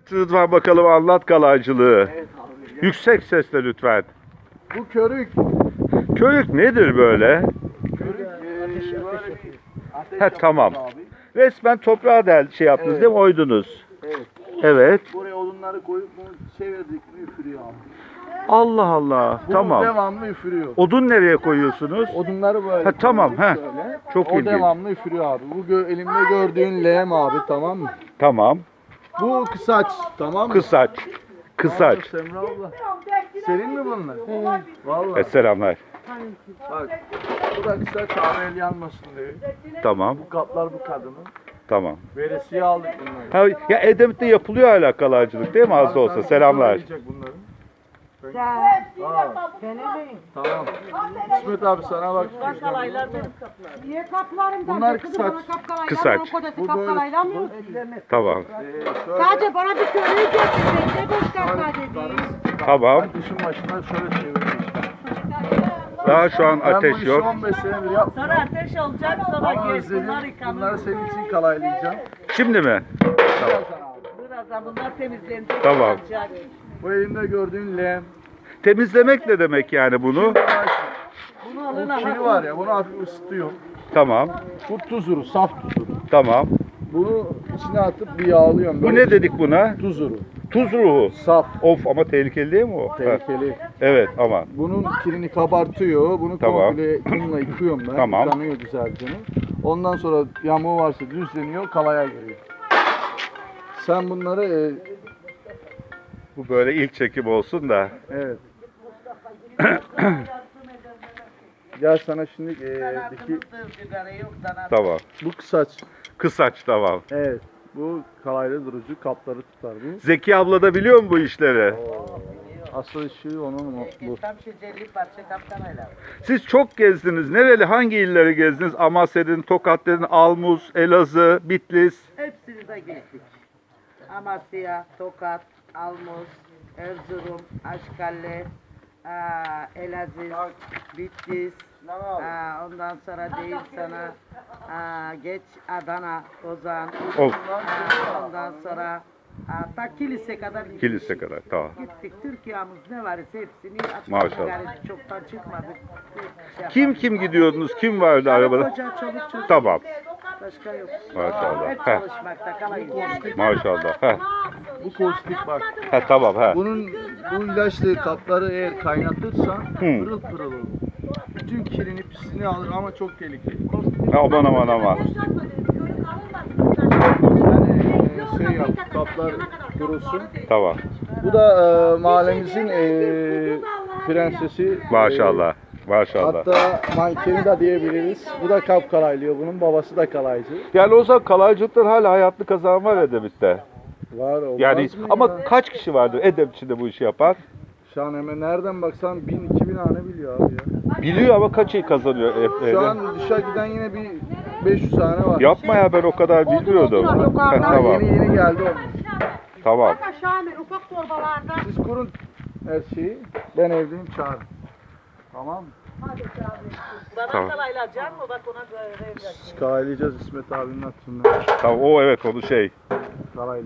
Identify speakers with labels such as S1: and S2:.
S1: Rıdvan bakalım anlat kalaycılığı.
S2: Evet abi.
S1: Yüksek sesle lütfen.
S2: Bu körük.
S1: Körük nedir böyle?
S2: Körük böyle bir ateş
S1: He, tamam.
S2: yapıyoruz abi.
S1: Resmen toprağa şey yaptınız
S2: Evet.
S1: değil mi? Oydunuz.
S2: Evet.
S1: Evet.
S2: Buraya odunları koyup bunu çevirdik mi üfürüyor abi.
S1: Allah Allah.
S2: Bu
S1: Tamam.
S2: devamlı üfürüyor.
S1: Odun nereye koyuyorsunuz?
S2: Odunları böyle.
S1: Ha, tamam,
S2: koyuyoruz
S1: he.
S2: böyle.
S1: Çok
S2: o
S1: ilginç.
S2: devamlı üfürüyor abi. Bu elimde gördüğün leğen abi, tamam mı?
S1: Tamam.
S2: Bu kısaç, tamam mı?
S1: Kısaç. Kısaç.
S2: Tamam, Semra abla. Senin mi bunlar? Vallahi.
S1: Selamlar.
S2: Bak. Bu da kısaç abi, el yanmasın diye.
S1: Tamam.
S2: Bu kaplar bu kadının.
S1: Tamam.
S2: Veresiye aldık bunları.
S1: Ha, ya Edremit'te yapılıyor hala kalaycılık değil mi az da olsa?
S2: Tabii,
S1: Selamlar.
S2: yiyecek bunları. Tamam. İsmet abi sana bak.
S3: Niye kaplarım?
S2: Bunlar kısaç.
S1: Kısaç.
S2: Bu
S3: Kapkalayla mı?
S1: Tamam.
S2: Şöyle.
S3: Sadece bana bir köylüyü getirmek ne göster sadece.
S1: Tamam.
S2: Kışın başına şöyle çevirmiş.
S1: Daha şu an
S2: Ben
S1: ateş
S2: bu işi
S1: yok.
S2: 15 senedir yaptım.
S4: Sonra ateş olacak, sonra
S2: Ama
S4: geç
S2: özledim.
S4: bunlar yıkanır.
S2: Bunları senin için kalaylayacağım.
S1: Şimdi mi?
S4: Birazdan bunlar temizlenecek.
S1: Tamam.
S4: yıkanacak.
S2: Bu elimde gördüğün leğen.
S1: Temizlemek ne demek yani bunu?
S4: Bunu alın
S2: Bu kiri var ya, bunu hafif ısıtıyor.
S1: Tamam.
S2: Bu tuzuru, saf tuzuru.
S1: Tamam.
S2: Bunu içine atıp bir yağlıyorum.
S1: Bu
S2: Böyle
S1: ne dedik buna?
S2: tuzuru.
S1: Tuz ruhu.
S2: Saf,
S1: Of ama tehlikeli değil mi o? Ha,
S2: tehlikeli.
S1: evet aman.
S2: Bunun kirini kabartıyor. Bunu
S1: Tamam.
S2: komple unla yıkıyorum ben.
S1: Tamam.
S2: Yıkanıyor güzelce. Ondan sonra yamuğu varsa düzleniyor, kalaya giriyor. Sen bunları
S1: Bu böyle ilk çekim olsun da.
S2: evet. Gel sana şimdi diki,
S1: Tamam.
S2: bu kısaç.
S1: Kısaç tamam.
S2: Evet. Bu kalayla durucu, kapları tutar bu.
S1: Zeki abla da biliyor mu bu işleri?
S2: Asıl işi onun bu.
S1: Siz çok gezdiniz. Nereli hangi illeri gezdiniz? Amasya dedin, Tokat dedin, Almuz, Elazığ, Bitlis.
S4: Hepsini de geçtik. Amasya, Tokat, Almuz, Erzurum, Aşkale, Elazığ, Bitlis, ondan sonra değil sana geç Adana, Ozan,
S1: Of.
S4: ondan sonra ta kilise kadar gittik.
S1: Kilise kadar tamam.
S4: Gittik. Türkiye'miz ne varsa hepsini attık.
S1: Maşallah.
S4: Yani çoktan çıkmadık.
S1: Kim gidiyordunuz? Kim vardı arabada?
S4: Koca, çoluk çocuk.
S1: Tamam.
S4: Başka yok.
S1: Maşallah.
S4: Hep
S1: Heh.
S4: çalışmakta kalayım.
S1: Maşallah. Heh.
S2: Bu kostik bak.
S1: Heh, tamam. Heh.
S2: Bunun bu ilaçlı kapları eğer kaynatırsan
S1: Hı.
S2: pırıl pırıl olur. Bütün kirini pisliğini alır ama çok tehlikeli.
S1: Aman aman aman.
S2: Sen şey yap, kaplar kurusun.
S1: Tamam.
S2: Bu da mahallemizin prensesi.
S1: Maşallah. Maşallah.
S2: Hatta mankeni de diyebiliriz. Bu da kap kalaylıyor. Bunun babası da kalaycı.
S1: Yani o zaman kalaycılıktan hala hayatlı kazan var Edremit'te.
S2: Var olmaz
S1: Yani
S2: mı
S1: ama
S2: ya?
S1: kaç kişi vardır Edremit'te bu işi yapan?
S2: Şu an hemen nereden baksan 1000-2000 hane biliyor abi ya.
S1: Biliyor ama kaç iyi kazanıyor evde?
S2: Şu an dışa giden yine bir 500 hane var.
S1: Yapma ya ben o kadar bilmiyordum. Heh,
S2: Daha
S1: tamam.
S2: yeni geldi o.
S1: Tamam.
S3: Bak aşağı iner ufak torbalarda.
S2: Siz kurun her şeyi. Ben evdeyim, çağırın. Tamam mı?
S4: Bana
S1: Tamam.
S4: kalaylayacak mı? Bak ona göre.
S2: Kalaylayacağız İsmet abinin atından.
S1: Tamam o evet onu şey.
S2: Kalaylayacağız.